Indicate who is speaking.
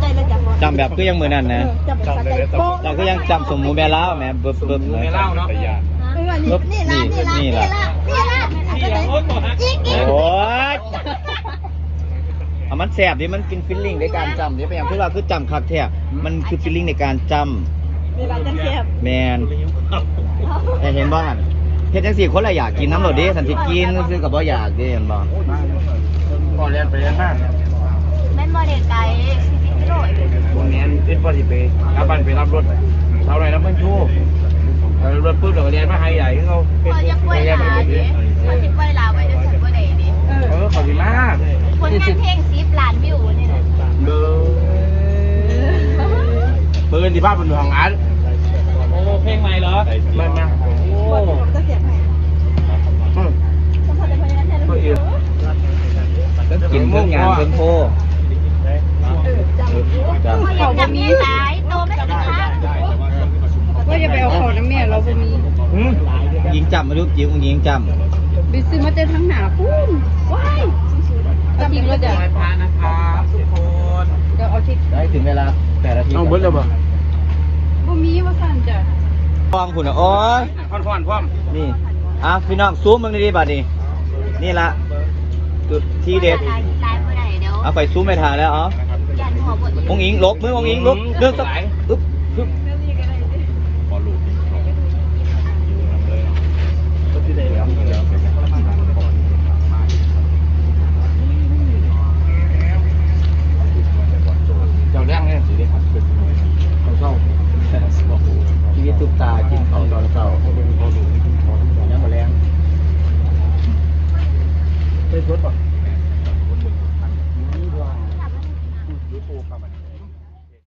Speaker 1: ใจเลยจ้ะ
Speaker 2: จำแบบก็ยังเหมือนนั่นนะ
Speaker 1: จำแบบโป๊ะ
Speaker 2: เราก็ยังจำสมมูแม่เล่าแม่เบิ่มๆ
Speaker 3: ไม่เล่าเนาะ
Speaker 1: นี่ละจิ๊ก
Speaker 2: โอ้ยมันแสบดิมันกินฟิลลิ่งในการจำดิเป็นอย่างที่เราคือจำคักแท้มันคือฟิลลิ่งในการจำ
Speaker 1: นี่ละจังเสียบ
Speaker 2: แมนแต่เห็นบ้านเฮ็ดจังสี่คนละอยากกินน้ำโหลดดิสันติกินซื้อกับบ่อยากดิเห็นบ่
Speaker 3: ก่อนเรียนไปเรียนมาก
Speaker 1: แม่นบ่เด็กไก่40กิโล
Speaker 3: วันนี้เป็นปฏิเปรับบันไปรับรถเท่าไรรับเพื่อนชูรถปื้มเราเรียนมาไฮใหญ่เขา
Speaker 1: พอจะป่วยลาดิพอจะป่วยลาไว้จะถึงบ่ได้ดิ
Speaker 3: ขอบคุณมาก
Speaker 1: ผลงานเพลง10 ล้านวิวนี่น่ะ
Speaker 3: เบอร์ปืนที่ภาพบนห้องอันโอ้เพลงใหม่เหรอไม่มาโอ้
Speaker 1: จะเสียบให้สมพรจะพยายามแทนลูก
Speaker 2: กินเรื่องงานเพิ่งโพจำ
Speaker 1: พออยากจะมีหลายโตไม่สิคะ
Speaker 4: ก็อย่าไปเอาของน้ำเมียเราบ่มี
Speaker 2: ยิงจำมาดูยิงยิงจ
Speaker 4: ไปซื้อมาเจอทั้งหนาพุ่นว้ายเอาทิ้งแล้วจ้ะ
Speaker 3: พานะครับทุกคน
Speaker 4: เดี๋ยวเอาทิ้ง
Speaker 2: ำได้ถึงเวลา8 นาที
Speaker 3: เอาเบิ้ลเลยป่ะ
Speaker 4: บ่มีว่าสั่นจ้ะ
Speaker 2: ฟองคุณโอ้ย
Speaker 3: พ่อนพ่อม
Speaker 2: นี่พี่น้องซูมมึงดีๆบัดนี้นี่ละจุดที่เด็ด
Speaker 1: ลายบ่ได้เดี๋ยว
Speaker 2: เอาไปซูมไปทางแล้วอ๋อ
Speaker 1: ยันหัวบ่
Speaker 2: องอิงลบมือองอิงลบเดินสักอึ๊บอึ๊บ
Speaker 3: เจ้าแรงเนี่ยสิได้ครับเขาเศร้า
Speaker 2: ชีวิตทุกตากินข้าวตอนเช้ายังมาแรง
Speaker 3: ได้ชดป่ะ